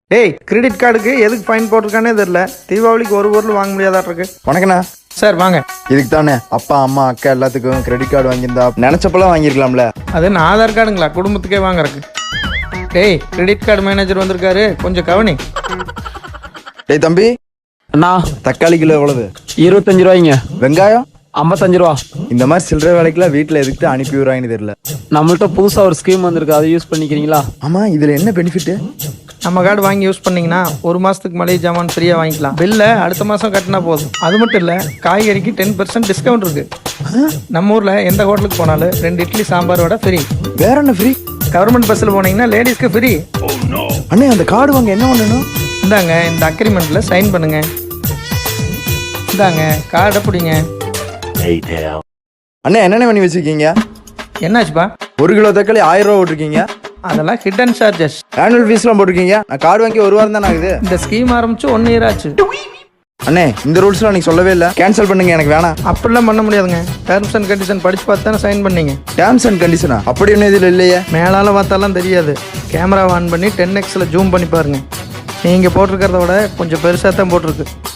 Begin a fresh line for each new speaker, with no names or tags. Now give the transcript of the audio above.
டேய் கிரெடிட் கார்டுக்கு எதுக்கு ஃபைன் போட்டிருக்கானே தெரியல. தீபாவளிக்கு ஒரு பொருள் வாங்க முடியாதா இருக்கு.
வணக்கண்ணா.
சார் வாங்க.
இதுக்கு தானே அப்பா அம்மா அக்கா எல்லாத்துக்கும் கிரெடிட் கார்டு வாங்கியிருந்தா நினைச்சப்பெல்லாம் வாங்கியிருக்கலாம்ல.
அது என்ன ஆதார் கார்டுங்களா குடும்பத்துக்கே வாங்குறக்கு? டேய் கிரெடிட் கார்டு மேனேஜர் வந்திருக்காரு, கொஞ்சம் கவனி.
டேய் தம்பி,
அண்ணா
தக்காளி கிலோ எவ்வளவு?
25 ரூபாய்ங்க.
வெங்காயம்
55 ரூபா.
இந்த மாதிரி சில்லறை வேலைக்கெல்லாம் வீட்டில் எதுக்கு அனுப்பி விடுறாங்கன்னு தெரியல.
நம்மள்ட்ட புதுசா ஒரு ஸ்கீம் வந்திருக்கு, அதை யூஸ் பண்ணிக்கிறீங்களா?
ஆமா, இதுல என்ன பெனிஃபிட்?
நம்ம கார்டு வாங்கி யூஸ் பண்ணீங்கன்னா ஒரு மாதத்துக்கு மளிகை ஜாமான் ஃப்ரீயாக வாங்கிக்கலாம். பில்லை அடுத்த மாதம் கட்டினா போதும். அது மட்டும் இல்லை, காய்கறிக்கு 10% டிஸ்கவுண்ட் இருக்கு. நம்ம ஊரில் எந்த ஹோட்டலுக்கு போனாலும் 2 இட்லி சாம்பார் வடை ஃப்ரீ.
வேற என்ன ஃப்ரீ?
கவர்மெண்ட் பஸ்ஸில் போனீங்கன்னா லேடிஸ்க்கு ஃப்ரீ.
அண்ணே, அந்த கார்டு வாங்க என்ன பண்ணணும்?
இந்தாங்க, இந்த அக்ரிமெண்ட்டில் சைன் பண்ணுங்க. இந்தாங்க கார்டை பிடிங்க.
அண்ணே, என்னென்ன பண்ணி வச்சிருக்கீங்க?
என்னாச்சுப்பா?
1 கிலோ தக்காளி 1000 ரூபா போட்டிருக்கீங்க.
அதெல்லாம் ஹிடன் சார்ஜஸ்.
ஆனுவல் ஃபீஸ்லாம் போட்டிருக்கீங்க. நான் கார்டு வாங்கி 1 வாரம் தானே ஆகுது.
இந்த ஸ்கீம் ஆரம்பிச்சு 1 இயர் ஆச்சு.
அண்ணே, இந்த ரூல்ஸ்லாம் நீங்க சொல்லவே இல்லை. கேன்சல் பண்ணுங்க, எனக்கு வேணாம்.
அப்படிலாம் பண்ண முடியாதுங்க. டேர்ம்ஸ் அண்ட் கண்டிஷன் படிச்சு பார்த்து தானே சைன் பண்ணீங்க.
டேர்ம்ஸ் அண்ட் கண்டிஷனா? அப்படி ஒன்றும் இதில் இல்லையே.
மேலால பார்த்தாலாம் தெரியாது. கேமரா ஆன் பண்ணி 10xல ஜூம் பண்ணி பாருங்க. நீங்கள் போட்டிருக்கிறத விட கொஞ்சம் பெருசாக தான் போட்டிருக்கு.